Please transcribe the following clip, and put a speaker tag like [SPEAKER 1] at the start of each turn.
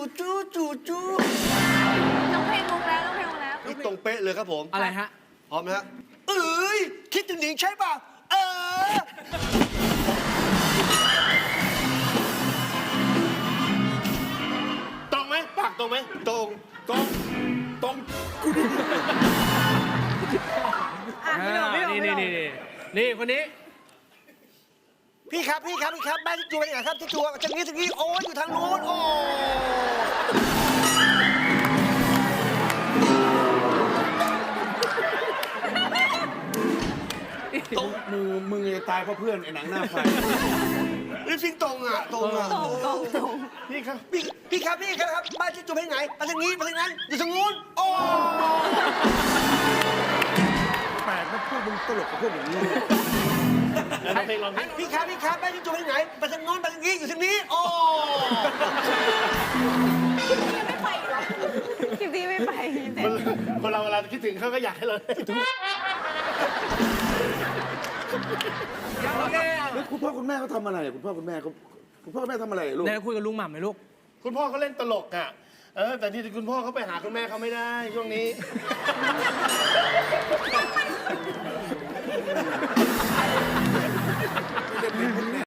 [SPEAKER 1] ต้องเพลงมุกแล้วต้องเพลงมุกแล้ว
[SPEAKER 2] นี่ตรงเป๊ะเลยครับผม
[SPEAKER 3] อะไรฮะ
[SPEAKER 2] พร้อมนะฮะเอ้ยคิดถึงหนิงใช่ป่ะตรงไหมปากตรงไหมตรงกูดี
[SPEAKER 3] นี่คนนี้
[SPEAKER 2] พี่ครับบ้านที่จูเป็นยังไงครับที่จูจากนี้โอ้ยอยู่ทางโน้นโอ้
[SPEAKER 4] มึงจะตายเพราะเพื่อนไอ้หนังหน้าไฟ
[SPEAKER 2] นี่ฟิงตรงอ่ะตรง
[SPEAKER 4] พี่ครับ
[SPEAKER 2] พี่ครับบ้านที่จูเป็นยังไงมาทางนี้มาทางนั้นอยู่ทางโน้นโอ้
[SPEAKER 4] แปลกนะพูดมึงตลกกับพวกอย่างนี้
[SPEAKER 2] พี่ครับบ้านที่จูเป็นยังไงมาทางโน้นมาทางนี้อยู่ทางนี้โอ้
[SPEAKER 1] ไม่ไปหรอคลิปนี้ไม่ไป
[SPEAKER 5] คนเราเวลาคิดถึงเขาก็อยากให้เราคิดถึง
[SPEAKER 4] แล้วคุณพ่อคุณแม่เขาทำอะไรคุณพ่อคุณแม่ทำอะไรลูก
[SPEAKER 3] ไหนคุยกับลุงหม่ำหน่อยลูก
[SPEAKER 5] คุณพ่อเขาเล่นตลกอ่ะแต่ที่คุณพ่อเขาไปหาคุณแม่เขาไม่ได้ช่วงนี้